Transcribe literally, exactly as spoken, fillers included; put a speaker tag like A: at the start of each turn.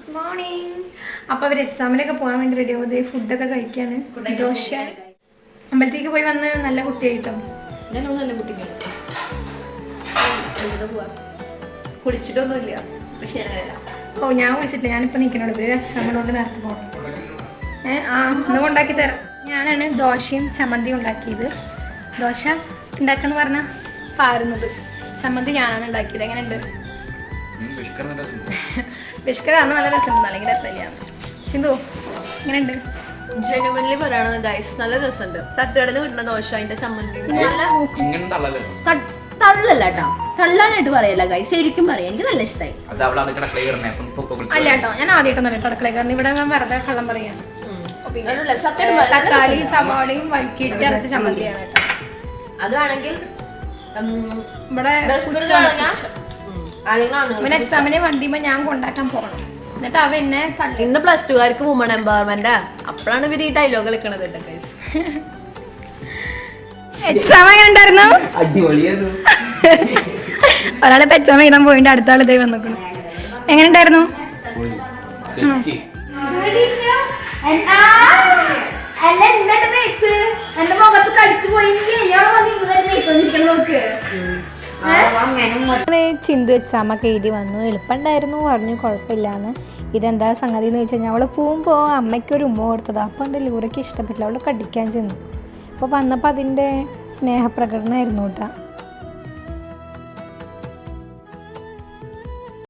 A: Good morning. അപ്പോൾ അവർ എക്സാമിനൊക്കെ പോകാൻ വേണ്ടി റെഡി ആവുന്നത് ഫുഡൊക്കെ കഴിക്കാണ്. ദോശ. അമ്പലത്തേക്ക് പോയി വന്ന് നല്ല കുട്ടിയായിട്ടോ.
B: നല്ല കുട്ടി കുളിച്ചിട്ടൊന്നുമില്ല.
A: ഓ ഞാൻ കുളിച്ചിട്ടില്ല. ഞാനിപ്പോൾ നിൽക്കണോട് ഇവര് എക്സാമിനോട് നേരത്തെ പോകണം. ഏ ആ ഒന്ന് കൊണ്ടാക്കി തരാം. ഞാനാണ് ദോശയും ചമ്മന്തിയും ഉണ്ടാക്കിയത്. ദോശ ഉണ്ടാക്കാന്ന് പറഞ്ഞാൽ പാരുന്നത്, ചമ്മന്തി ഞാനാണ് ഉണ്ടാക്കിയത്. എങ്ങനെയുണ്ട്? ബിഷ്കറാണ് നല്ല രസമുണ്ട്. അല്ലെങ്കിൽ രസമില്ല. ചിന്തു എങ്ങനെയുണ്ട്?
B: ജനുവൻലി പറയണത് ഗൈസ് നല്ല രസമുണ്ട്. തട്ടുകടന്ന് കിട്ടുന്ന ദോശ അതിന്റെ ചമ്മന്തി തള്ളല്ല കേട്ടോ, തള്ളാനായിട്ട് പറയല്ല ഗൈസ്, ശരിക്കും പറയാം. എനിക്ക് നല്ല ഇഷ്ടമായി.
A: അല്ല കേട്ടോ, ഞാൻ ആദ്യമായിട്ടൊന്നും അടുക്കള കാരണം ഇവിടെ ഞാൻ വെറുതെ കള്ളം പറയാം. തക്കാളി സവാളയും വഴറ്റിയിട്ട് അരച്ച ചമ്മന്തിയാണ് കേട്ടോ.
B: അതാണെങ്കിൽ
A: ഇവിടെ ഇവൻ എക്സാമിനെ വണ്ടിയുമ്പോ ഞാൻ കൊണ്ടാക്കാൻ പോകണം. എന്നിട്ട് അവ എന്നെ
B: ഇന്ന് പ്ലസ് ടുകാർക്ക് വുമൺ എംപവർമെന്റ്. അപ്പോഴാണ് ഇവര് ഈ ഡയലോഗ് കളിക്കണത്.
A: എക്സാം എങ്ങനെ ഉണ്ടായിരുന്നു? ഒരാളെ എക്സാം എഴുതാൻ പോയിട്ട് അടുത്ത ആൾ ഇതേ വന്നിക്കണം. എങ്ങനെ ഉണ്ടായിരുന്നു? ചിന്തു എക്സാം ഒക്കെ എഴുതി വന്നു. എളുപ്പമുണ്ടായിരുന്നു പറഞ്ഞു, കുഴപ്പമില്ലാന്ന്. ഇതെന്താ സംഗതി എന്ന് വെച്ച് കഴിഞ്ഞാൽ അവള് പോകുമ്പോൾ അമ്മയ്ക്കൊരു ഉമ്മ കൊടുത്തത്. അപ്പം എൻ്റെ ലൂറയ്ക്ക് ഇഷ്ടപ്പെട്ടില്ല, അവൾ കടിക്കാൻ ചെന്നു. അപ്പോൾ വന്നപ്പോൾ അതിൻ്റെ സ്നേഹപ്രകടനമായിരുന്നു കേട്ടോ.